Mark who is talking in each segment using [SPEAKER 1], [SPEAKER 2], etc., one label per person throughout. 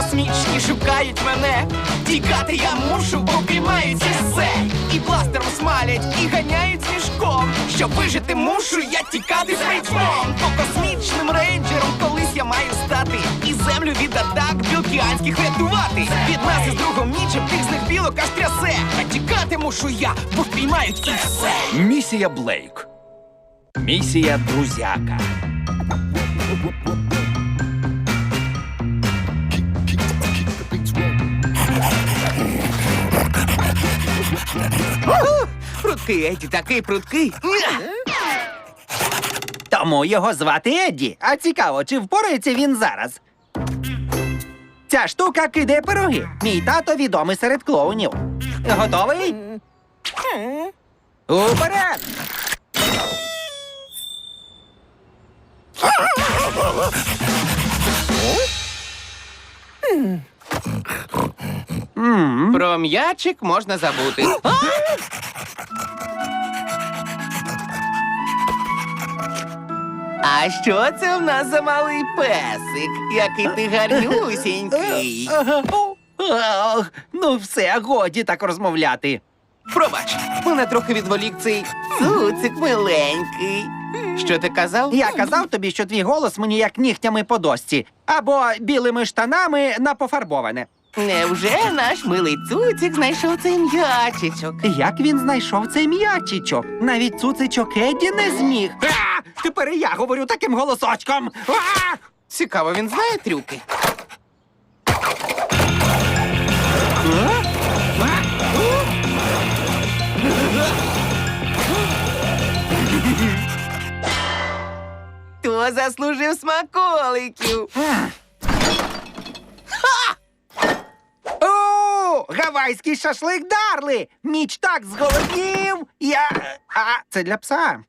[SPEAKER 1] космічні шукають мене. Тікати я мушу, бо піймають і все. І бластером смалять, і ганяють з мішком. Щоб вижити мушу, я тікати з рейджом. По космічним рейнджером колись я маю стати. І землю від атак білкіанських рятувати. Від нас із другом нічим тих з них білок аж трясе. А тікати мушу я, бо впіймають і все.
[SPEAKER 2] Місія Блейк. Місія Друзяка.
[SPEAKER 1] Прудкий Едді, такий прудкий.
[SPEAKER 3] Тому його звати Едді. А цікаво, чи впорається він зараз? Ця штука кидає пироги. Мій тато відомий серед клоунів. Готовий? Уперед!
[SPEAKER 1] Про м'ячик можна забути. А що це в нас за малий песик? Який ти гарнюсінький.
[SPEAKER 3] Ну все, годі так розмовляти.
[SPEAKER 1] Пробач, мене трохи відволік цей цуцик миленький. Що ти казав?
[SPEAKER 3] Я казав тобі, що твій голос мені як нігтями по дошці. Або білими штанами на пофарбоване.
[SPEAKER 1] Невже наш милий цуцик знайшов цей м'ячичок?
[SPEAKER 3] Як він знайшов цей м'ячичок? Навіть цуцичок Едді не зміг. Тепер і я говорю таким голосочком.
[SPEAKER 1] Цікаво, він знає трюки? Хто заслужив смаколиків?
[SPEAKER 3] О, гавайський шашлик Дарли! Міч так зголоднів! Це для пса.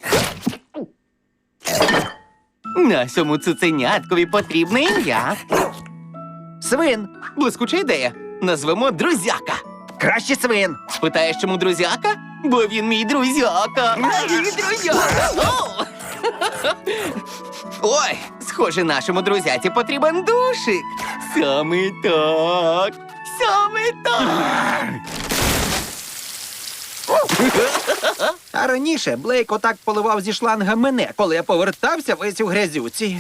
[SPEAKER 1] Нашому цуценяткові потрібне ім'я.
[SPEAKER 3] Свин.
[SPEAKER 1] Блискуча ідея. Назвемо Друзяка.
[SPEAKER 3] Краще свин.
[SPEAKER 1] Спитаєш, чому Друзяка? Бо він мій друзяка. Мій друзяка. О! Ой, схоже, нашому друзяці потрібен душик. Саме так. Саме так.
[SPEAKER 3] А раніше Блейк отак поливав зі шланга мене, коли я повертався весь у грязюці.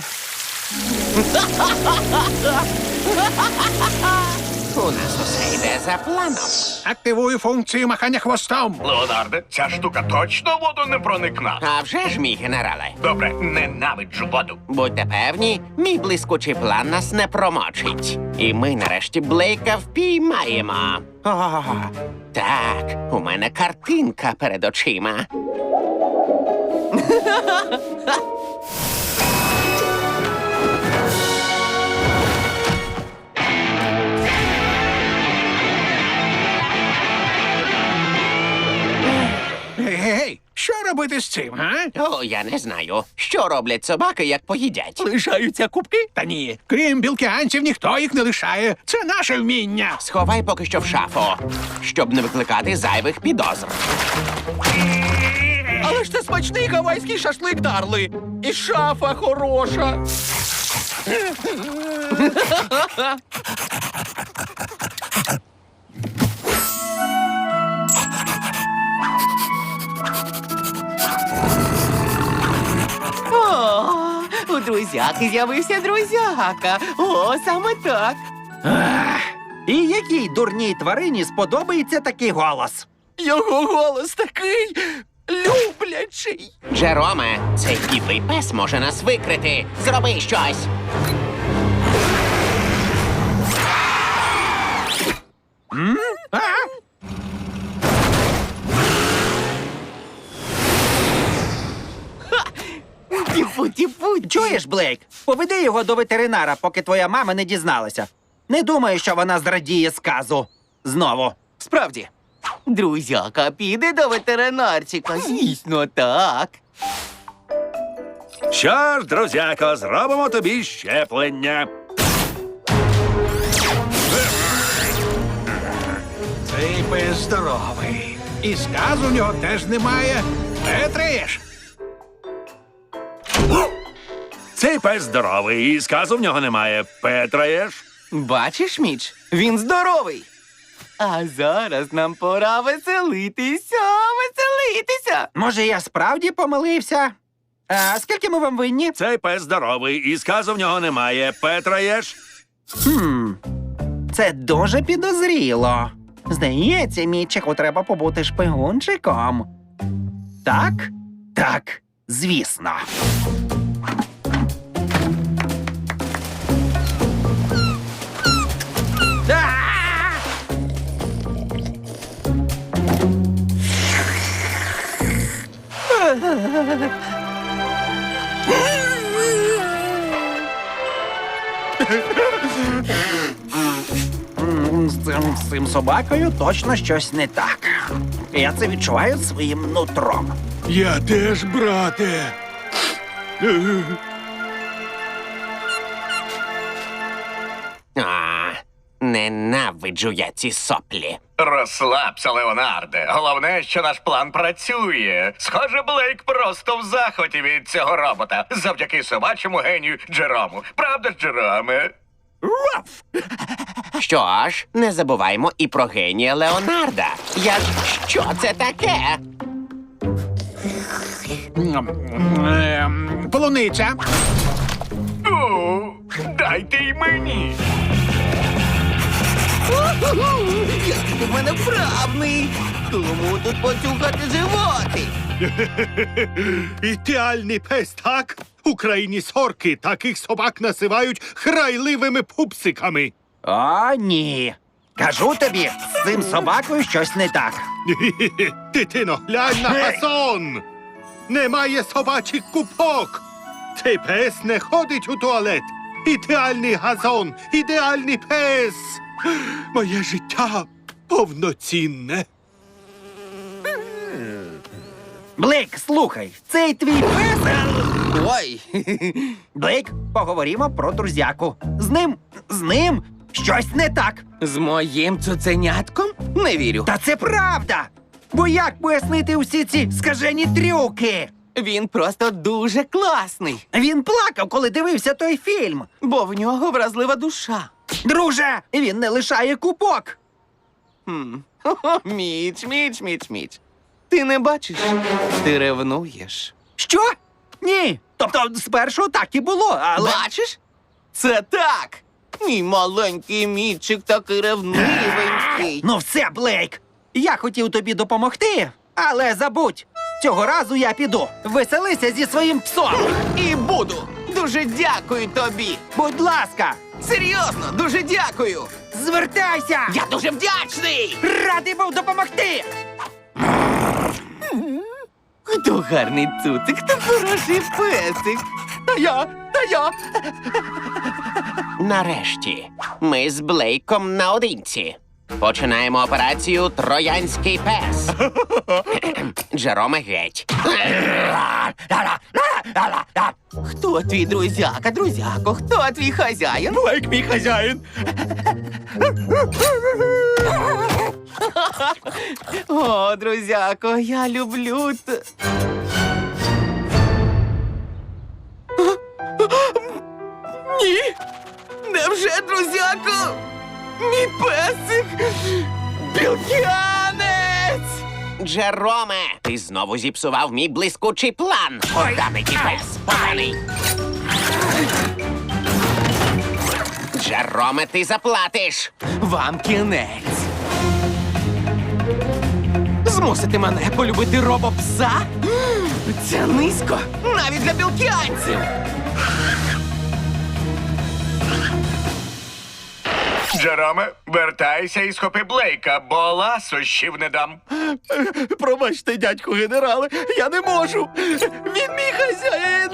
[SPEAKER 1] У нас усе йде за планом.
[SPEAKER 4] Активую функцію махання хвостом.
[SPEAKER 5] Леонарде, ця штука точно в воду не проникна.
[SPEAKER 1] А вже ж, мій генерале.
[SPEAKER 5] Добре, ненавиджу воду.
[SPEAKER 1] Будьте певні, мій блискучий план нас не промочить. І ми нарешті Блейка впіймаємо. О, так, у мене картинка перед очима.
[SPEAKER 4] Гей, що робити з цим, га?
[SPEAKER 1] О, я не знаю, що роблять собаки, як поїдять.
[SPEAKER 4] Лишаються кубки? Та ні. Крім білкіанців, ніхто їх не лишає. Це наше вміння.
[SPEAKER 1] Сховай поки що в шафу, щоб не викликати зайвих підозр.
[SPEAKER 2] Але ж це смачний гавайський шашлик Дарли. І шафа хороша.
[SPEAKER 1] О, у друзяки з'явився друзяка. О, саме так.
[SPEAKER 3] І якій дурній тварині сподобається такий голос?
[SPEAKER 2] Його голос такий люблячий.
[SPEAKER 1] Джероме, цей підлий пес може нас викрити. Зроби щось. Тіпу-тіпу.
[SPEAKER 3] Чуєш, Блейк? Поведи його до ветеринара, поки твоя мама не дізналася. Не думаю, що вона зрадіє сказу. Знову.
[SPEAKER 1] Справді. Друзяка піде до ветеринарчика. Звісно, так.
[SPEAKER 6] Що ж, друзяко, зробимо тобі щеплення.
[SPEAKER 4] Цей пес здоровий. І сказу в нього теж немає. Петриєш.
[SPEAKER 6] Цей пес здоровий, і сказу в нього немає. Петраєш?
[SPEAKER 1] Бачиш, Міч? Він здоровий. А зараз нам пора веселитися.
[SPEAKER 3] Може, я справді помилився? А скільки ми вам винні?
[SPEAKER 6] Цей пес здоровий, і сказу в нього немає. Петра єш?
[SPEAKER 3] Це дуже підозріло. Здається, Мітчику треба побути шпигунчиком. Так? Так, звісно. А! З цим собакою точно щось не так. Я це відчуваю своїм нутром.
[SPEAKER 4] Я теж, брате.
[SPEAKER 7] Ненавиджу я ці соплі.
[SPEAKER 5] Розслабся, Леонарде. Головне, що наш план працює. Схоже, Блейк просто в захваті від цього робота. Завдяки собачому генію Джерому. Правда ж, Джероме?
[SPEAKER 7] Що ж, не забуваймо і про генія Леонарда. Що це таке?
[SPEAKER 4] Полуниця.
[SPEAKER 5] О, дайте й мені.
[SPEAKER 1] Який ти в мене вправний. Тому тут поцюхати животи.
[SPEAKER 4] Ідеальний пес, так? У країні сорки таких собак називають храйливими пупсиками.
[SPEAKER 3] О, ні. Кажу тобі, з цим собакою щось не так.
[SPEAKER 4] Дитино, глянь на газон! Немає собачих купок! Цей пес не ходить у туалет! Ідеальний газон! Ідеальний пес! Моє життя повноцінне!
[SPEAKER 3] Блейк, слухай, цей твій пес...
[SPEAKER 1] Ой.
[SPEAKER 3] Блейк, поговоримо про друзяку. З ним щось не так.
[SPEAKER 1] З моїм цуценятком? Не вірю.
[SPEAKER 3] Та це правда! Бо як пояснити усі ці скажені трюки?
[SPEAKER 1] Він просто дуже класний,
[SPEAKER 3] Він плакав, коли дивився той фільм.
[SPEAKER 1] бо в нього вразлива душа.
[SPEAKER 3] Друже, він не лишає купок.
[SPEAKER 1] Хо-хо, Міч. Ти не бачиш? Ти ревнуєш.
[SPEAKER 3] Що? Ні. Тобто, спершу так і було, але...
[SPEAKER 1] Бачиш? Це так. Мій маленький Мітчик такий ревнивенький.
[SPEAKER 3] Ну все, Блейк. Я хотів тобі допомогти, але забудь. Цього разу я піду. Веселися зі своїм псом.
[SPEAKER 1] І буду. Дуже дякую тобі.
[SPEAKER 3] Будь ласка,
[SPEAKER 1] Серйозно, дуже дякую.
[SPEAKER 3] звертайся.
[SPEAKER 1] Я дуже вдячний.
[SPEAKER 3] Радий був допомогти.
[SPEAKER 1] Хто гарний цуцик, хто хороший песик. Та я.
[SPEAKER 7] Нарешті, ми з Блейком наодинці. Починаємо операцію «Троянський пес». Джероме геть.
[SPEAKER 1] Хто твій друзяко, хто твій хазяїн?
[SPEAKER 2] Блейк, мій хазяїн.
[SPEAKER 1] О, друзяко, я люблю Ні! Невже, друзяко? Мій песик! Білкянець!
[SPEAKER 7] Джероме, ти знову зіпсував мій блискучий план. Поганий ти пес, поганий. Джероме, ти заплатиш.
[SPEAKER 1] Вам кінець. Змусити мене полюбити робопса? Це низько, навіть для білкянців.
[SPEAKER 5] Джероме, вертайся і схопи Блейка, бо ласощів не дам.
[SPEAKER 2] Пробачте, дядьку генерале, я не можу. Він мій хазяїн.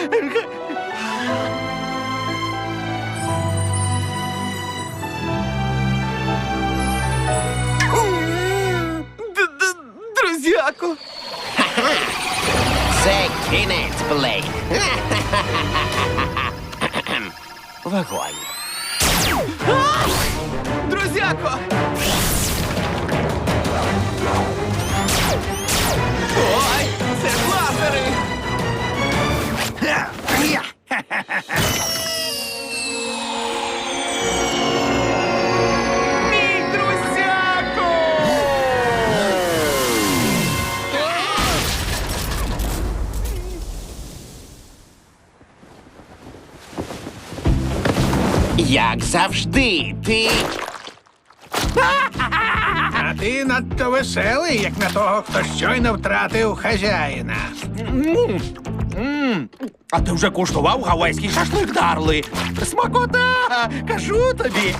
[SPEAKER 1] Друзяко.
[SPEAKER 7] Це кінець, Блейк. Вогонь.
[SPEAKER 1] Друзяко! Ой, це лазери!
[SPEAKER 7] Як завжди, ти.
[SPEAKER 8] А ти надто веселий, як на того, хто щойно втратив хазяїна.
[SPEAKER 2] А ти вже куштував гавайський шашлик, Дарли? Смакота! Кажу тобі.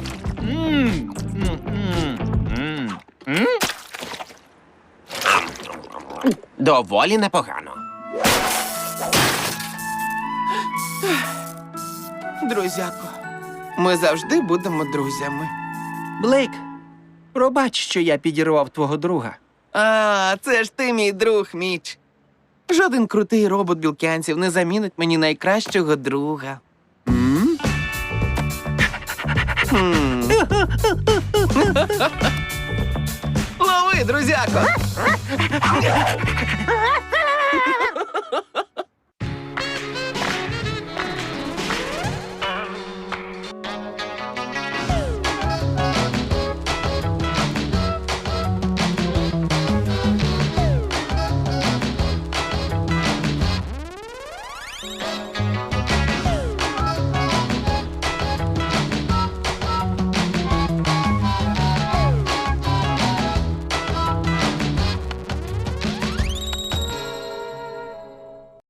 [SPEAKER 7] Доволі непогано.
[SPEAKER 1] Друзяко, ми завжди будемо друзями.
[SPEAKER 3] Блейк, пробач, що я підірвав твого друга.
[SPEAKER 1] А, це ж ти, мій друг, Міч. Жоден крутий робот білкянців не замінить мені найкращого друга. Лови, друзяко!